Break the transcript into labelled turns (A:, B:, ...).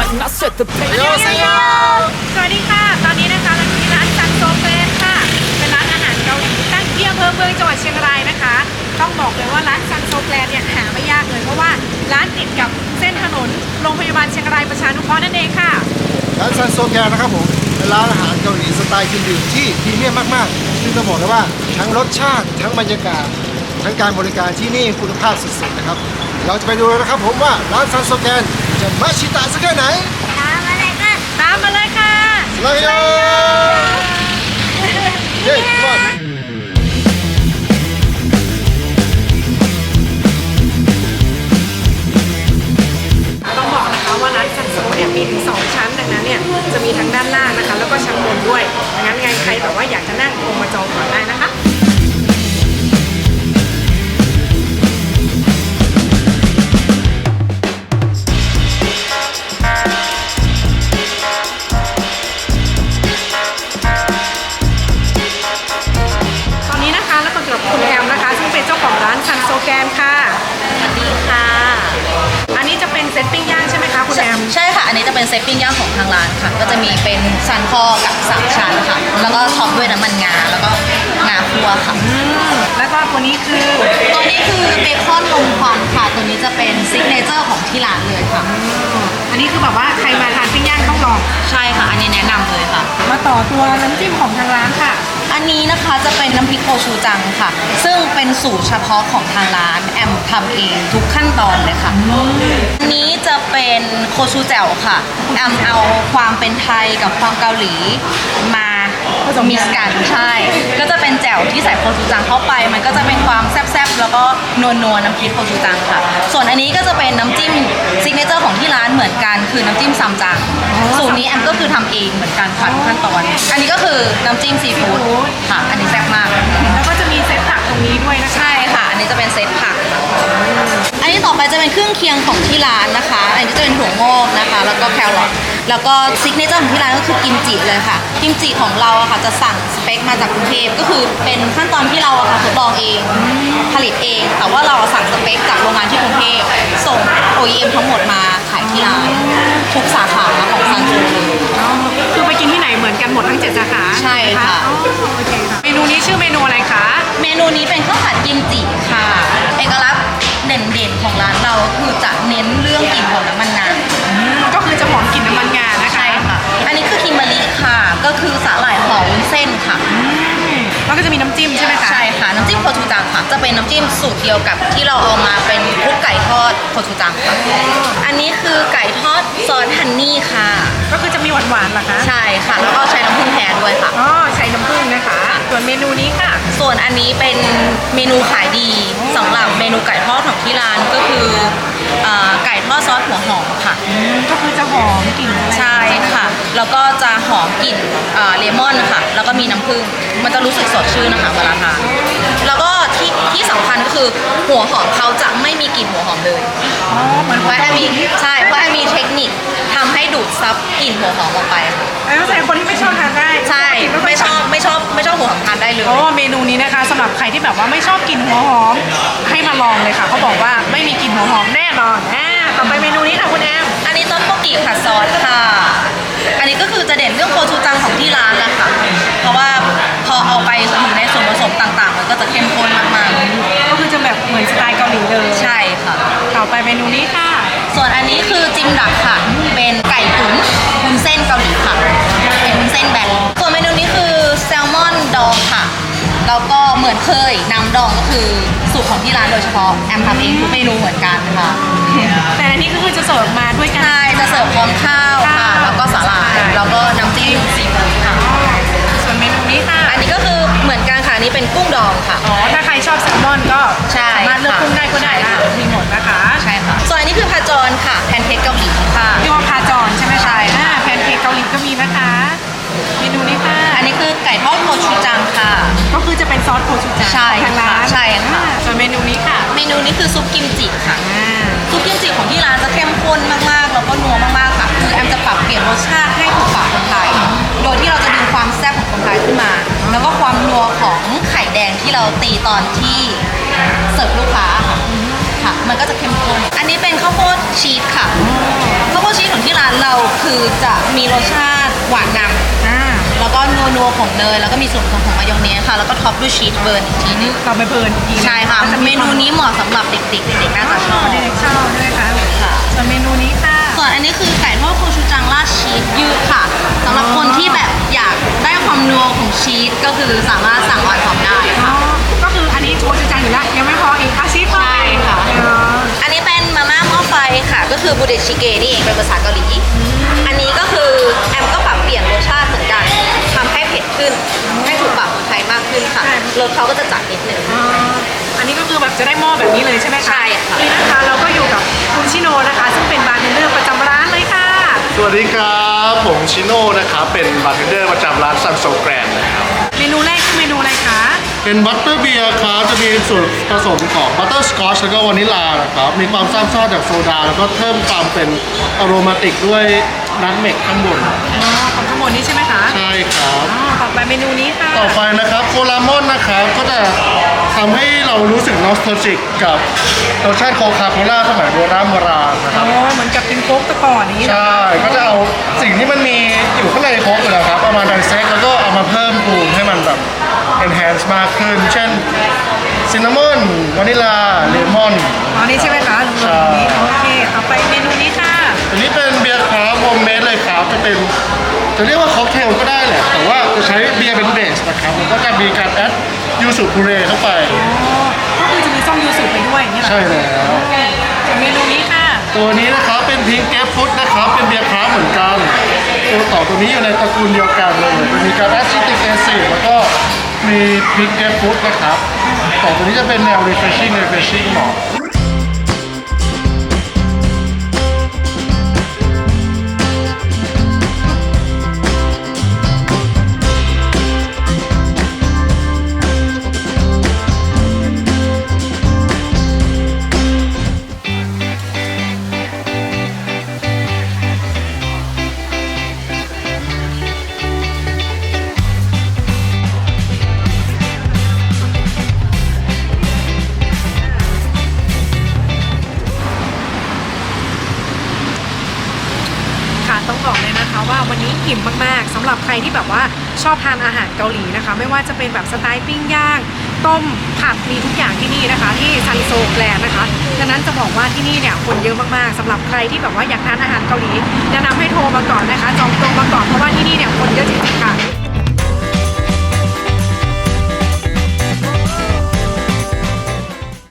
A: and I set the pace.
B: สวัสดีค่ะตอนนี้นะคะเราอยู่ที่ร้านซันโซเฟนค่ะเป็นร้านอาหารเกาหลีตั้งที่อำเภอเมืองจังหวัดเชียงรายนะคะต้องบอกเลยว่าร้านซันโซแกลนเนี่ยหาไม่ยากเลยเพราะว่าร้านติดกับเส้นถนนโรงพยาบาลเชียงรายประชานุเคราะห์นั่นเองค่ะ
C: ร้านซันโซแกนนะครับผมเป็นร้านอาหารเกาหลีสไตล์กินดื่มที่พรีเมียมมากๆซึ่งต้องบอกเลยว่าทั้งรสชาติทั้งบรรยากาศทั้งการบริการที่นี่คุณภาพสุดๆนะครับเราจะไปดูเลยนะครับผมว่าร้านซันโซแกนจะมาชิตะสักแค่ไหน
B: ตามมาเลยค่ะ
C: สลายโยเย้ทุกคน
B: ต้องบอกนะคะว่าร้านซันโซเนี่ยมีถึง2ชั้นดังนั้นเนี่ยจะมีทั้งด้านล่างนะคะแล้วก็ชั้นบนด้วยดังนั้นไงใครแบบว่าอยากจะนั่งลงมาจองก่อนได้นะคะตอนนี้นะคะแล้วก็อยู่กับคุณแอมนะคะซึ่งเป็นเจ้าของร้านซันโซแกนค่ะ
D: สวัสดีค่ะ
B: อันนี้จะเป็นเซตปิ้งย่างใช่ไหมคะคุณแอม
D: ใช่ค่ะ อันนี้จะเป็นเซตปิ้งย่างของทางร้านค่ะ ก็จะมีเป็นซันคอกับ3ชั้นค่ะ แล้วก็ท็อปด้วยน้ำมันงา แล้วก็งาคั่วค่ะ
B: แล้วก็ตัวนี้คือ
D: ตัวนี้คือเบคอนลมควันค่ะ ตัวนี้จะเป็นซิกเนเจอร์ของที่ร้านเลยค่ะ
B: อันนี้คือแบบว่าใครมาทานปิ้งย่างต้องลอง
D: ใช่ค่ะ อันนี้แนะนำเลยค่ะ
B: มาต่อตัวน้ำจิ้มของทางร้านค่ะ
D: อันนี้นะคะจะเป็นน้ำพริกโคชูจังค่ะ ซึ่งเป็นสูตรเฉพาะของทางร้านแอมทำเองทุกขั้นตอนเลยค่ะ อันนี้จะเป็นโคชูแจ่วค่ะ แอมเอาความเป็นไทยกับความเกาหลีมามิกซ์กันใช่ ก็จะเป็นแจ่วที่ใส่โคชูจังเข้าไป มันก็จะเป็นความแซ่บๆแล้วก็นัวๆน้ำพริกโคชูจังค่ะ ส่วนอันนี้ก็จะเป็นน้ำจิ้มซิกเนเจอร์ของที่ร้านเหมือนกันคือน้ำจิ้มซัมจัง สูตรนี้แอมก็คือทำเองเหมือนกันค่ะทุกขั้นตอน อันนี้ก็คือน้ำจิ้มซีฟู้ดค่ะ อันนี้แซ่บมาก
B: แล้วก็จะมีเซตผักตรงนี้ด้วยนะคะ
D: ใช่ค่ะ อันนี้จะเป็นเซตผักค่ะอันนี้ต่อไปจะเป็นเครื่องเคียงของที่ร้านนะคะ อันนี้จะเป็นถั่วงอกนะคะ แล้วก็แครอท แล้วก็ซิกเนเจอร์ของที่ร้านก็คือกิมจิเลยค่ะ กิมจิของเราอะค่ะจะสั่งสเปคมาจากกรุงเทพก็คือเป็นขั้นตอนที่เราอะค่ะทดลองเอง ผลิตเอง แต่ว่าเราสั่งสเปคจากโรงงานที่กรุงเทพส่ง OEM ทั้งหมดมาขายที่ร้านทุกสาขาของซันโซเลย
B: คือไปกินที่ไหนเหมือนกันหมดทั้ง7สาขา
D: ใช่ค่ะ
B: อ๋อโอเคค่ะ เมนูนี้ชื่อเมนูอะไรคะ
D: เมนูนี้เป็นข้าวผัดกิมจิค่ะ เอกลักษณ์เด่นๆของร้านเราคือจะเน้นเรื่องกลิ่นของน้ำมันงา
B: ก็คือจะหอมกลิ่นน้ำมันงานะคะ
D: ใช่ค่ะ อันนี้คือคิมเบอรรี่ค่ะ ก็คือสาหร่ายห่อวุ้นเส้นค่ะ
B: แล้วก็จะมีน้ำจิ้มใช่ไหมคะ
D: ใช่ค่ะ น้ำจิ้มโคชูจังค่ะ จะเป็นน้ำจิ้มสูตรเดียวกับที่เราเอามาเป็นคลุกไก่ทอดโคชูจังค่ะ อันนี้คือไก่ทอดซอสฮันนี่ค่ะ
B: ก็คือจะมีหวานๆเหรอคะ
D: ใช่ค่ะ แล้วก็ใช้น้ำผึ้งแท้ด้วยค่ะ
B: อ๋อใช้น้ำผึ้งนะคะ ส่วนเมนูนี้ค่ะ
D: ส่วนอันนี้เป็นเมนูขายดีสำหรับเมนูไก่ทอดของที่ร้านก็คือไก่ทอดซอสหัวหอมค่ะ
B: ก็คือจะหอมกลิ่นอะไร
D: ใช่ค่ะ แล้วก็จะหอมกลิ่นเลมอนค่ะ แล้วก็มีน้ำผึ้ง มันจะรู้สึกสดชื่นนะคะเวลาทาน แล้วก็ที่สำคัญก็คือหัวหอมเขาจะไม่มีกลิ่นหัวหอมเลย
B: อ๋อเหมือน
D: เพราะแอมมีใช่เพราะแอมมีเทคนิคทำให้ดูดซับกลิ่นหัวหอมออกไปค่ะ
B: แล้วใส่คนที่ไม่ชอบทานได้
D: ใช่ไม่ชอบหัวหอมทานได้เลย
B: โอ้เมนูนี้นะคะสำหรับใครที่แบบว่าไม่ชอบกลิ่นหัวหอมให้มาลองเลยค่ะเขาบอกว่าไม่มีกลิ่นหัวหอมแน่นอนต่อไปเมนูนี้ค่ะคุณแอม
D: อันนี้ต้นโปกิผัดซอสค่ะ อันนี้ก็คือจะเด่นเรื่องโคชูจังของที่ร้านแหละค่ะ เพราะว่าพอเอาไปอยู่ในส่วนผสมต่างๆ มันก็จะเข้มข้นมากๆ
B: ก็คือจะแบบเหมือนสไตล์เกาหลีเลย
D: ใช่ค่ะ
B: ต่อไปเมนูนี้ค่ะ
D: ส่วนอันนี้คือจิมดักค่ะ เป็นไก่ตุ๋นวุ้นเส้นเกาหลีค่ะ เป็นวุ้นเส้นแบนส่วนเมนูนี้คือแซลมอนดองค่ะ แล้วก็เหมือนเคยน้ำดองก็คือสูตรของที่ร้านโดยเฉพาะแอมทำเองทุกเมนูเหมือนกันค่ะ
B: แต่อันนี้ก็คือจะเสิร์ฟมาด้วยกัน
D: ใช่จะเสิร์ฟพร้อมข้าวค่ะ แล้วก็สาหร่าย แล้วก็น้ำจิ้มซีฟู้ดค่ะ
B: ส่วนเมนูนี้ค่ะ
D: อันนี้ก็คือเหมือนกันค่ะอันนี้เป็นกุ้งดองค่ะ
B: อ๋อถ้าใครชอบแซลมอนก็
D: ใช่
B: สามารถเลือกกุ้งได้ก็ได้
D: ใช่
B: ค่ะ
D: ค่ะ
B: มีหมดนะคะ
D: ใช่ค่ะ ส่วนอันนี้คือพาจอนค่ะ แพนเค้กเกาหลีค่ะ
B: พี่ว่าพาจอนใช่ไหมคะ
D: ใช่ค่ะ
B: แพนเค้กเกาหลีก็มีนะคะ เมนูนี้ค่ะ
D: อันนี้คือไก่ทอดโคชูจังค่ะ
B: ก็คือจะเป็นซอสโคชูจัง
D: ใช่
B: ของทางร้าน
D: ค่ะใช่ค่ะ
B: ส่วนเมนูนี้ค่ะ
D: เมนูนี้คือซุปกิมจิค่ะ
B: อ่า
D: ซุปกิมจิของที่ร้านจะเข้มข้นมากๆ แล้วก็นัวมากๆ ค่ะ คือแอมจะปรับเปลี่ยนรสชาติให้ถูกปากคนไทย โดยที่เราจะดึงความแซ่บของคนไทยขึ้นมา แล้วก็ความนัวของไข่แดงที่เราตีตอนที่เสิร์ฟลูกค้าค่ะค่ะ มันก็จะเข้มข้นอันนี้เป็นข้าวโพดชีสค่ะข้าวโพดชีสของที่ร้านเราคือจะมีรสชาติหวานนำแล้วก็นัวๆของเนยแล้วก็มีส่วนผสมของมายองเนสค่ะแล้วก็ท็อปด้วยชีสเบิร์นอีกทีนึง
B: เราไปเพลินอีกที
D: ใช่ค่ะเมนูนี้เหมาะสำหรับเด็กๆเด็กๆน่าจะชอบ
B: เด็กๆชอบด้วยค่ะ
D: ค่ะ
B: ส่วนเมนูนี้ค่ะ
D: ส่วนอันนี้คือไก่ทอดโคชูจังราดชีสยืดค่ะสำหรับคนที่แบบอยากได้ความนัวของชีสก็คือสามารถสั่งออนท็อปได้
B: อ๋อ
D: ค่ะ
B: ก็คืออันนี้โชว์จานอยู่แล้วยังไม่พออีกอาชีพ
D: ใช่ค่ะ
B: อ๋อ
D: อันนี้เป็นมาม่าหม้อไฟค่ะ ก็คือบูเดชิเกนี่เองเป็นภาษาเกาหลีอันนี้ก็คือแอมก็ปรับเปลี่ยนรสชาติเหมือนกันทำให้เผ็ดขึ้นให้ถูกปากคนไทยมากขึ้นค่ะรสเขาก็จะจัดนิดนึง
B: อ๋ออันนี้ก็คือแบบจะได้หม้อแบบนี้เลยใช่ไหมคะ
D: ใช่ค่ะ
B: นี่นะคะเราก็อยู่กับคุณชิโนนะคะ ซึ่งเป็นบาร์เทนเดอร์ประจำร้านเลยค่ะ
A: สวัสดีครับผมชิโน่นะครับเป็นบาร์เทนเดอร์ประจำร้านซันโซแกรนนะครับ
B: เมนูแรกคือเมนูอะไรคะ
A: เป็นบัตเตอร์เบียร์ครับจะมีส่วนผสมของบัตเตอร์สกอชแล้วก็วานิลลานะครับมีความซ่าจากโซดา แล้วก็เพิ่มความเป็นอโรมาติกด้วยนัทเมกข้างบน
B: อ๋อของทั้งหมดนี้ใช่ไหมคะ
A: ใช่ครับ
B: อ๋อต่อไปเมนูนี้ค่ะ
A: ต่อไปนะครับโคลามอนนะครับก็จะทำให้เรารู้สึกนอสตาจิกกับรสชาติโคคาโคล่าสมัยโบราณนะค
B: อ๋
A: รั
B: อบ เหมือนกับเป็นโค้กตะก่อนอย่างนี้เหรอ
A: ใช่ ก็จะเอาสิ่งที่มันมีอยู่ข้างในโค้กอยู่แล้วครับเอามาไดเซกแล้วก็เอามาเพิ่มปรุงให้มันแบบ enhance มากขึ้น เช่นซินนามอนวานิลาเลมอน
B: อ๋อนี่ใช่ไหมคะลุง
A: ใช่
B: นี้โอเคต่อไปเมนูนี้ค่ะ
A: อันนี้เป็นเบียร์คราฟต์โฮมเมดเลยครับจะเป็นจะเรียกว่าค็อกเทลก็ได้แหละ แต่ว่าจะใช้เบียร์เป็นเบสนะครับแล้วก็จะมีการแอดยูสุพูเรเข้าไป
B: อ๋อก็คือจะมีส้มยูสุไปด้วยอย่างนี้เหรอ
A: ใช่แล้ว
B: ส่วนเมนูนี้ค่ะ
A: ตัวนี้นะครับเป็นพิงเกฟฟุตนะครับเป็นเบียร์คราฟต์เหมือนกันตัวต่อตัวนี้อยู่ในตระกูลเดียวกันเลยจะมีการแอดซิติกแอซิดแล้วก็มีพิงเกฟฟุตนะครับต่อตัวนี้จะเป็นแนว refreshing เหมาะ
B: ค่ะต้องบอกเลยนะคะว่าวันนี้อิ่มมากๆสำหรับใครที่แบบว่าชอบทานอาหารเกาหลีนะคะ ไม่ว่าจะเป็นแบบสไตล์ปิ้งย่าง ต้มผัดมีทุกอย่างที่นี่นะคะ ที่ซันโซแกลนนะคะดังนั้นจะบอกว่าที่นี่เนี่ยคนเยอะมากๆสำหรับใครที่แบบว่าอยากทานอาหารเกาหลีแนะนำให้โทรมาก่อนนะคะจองตรงมาก่อนเพราะว่าที่นี่เนี่ยคน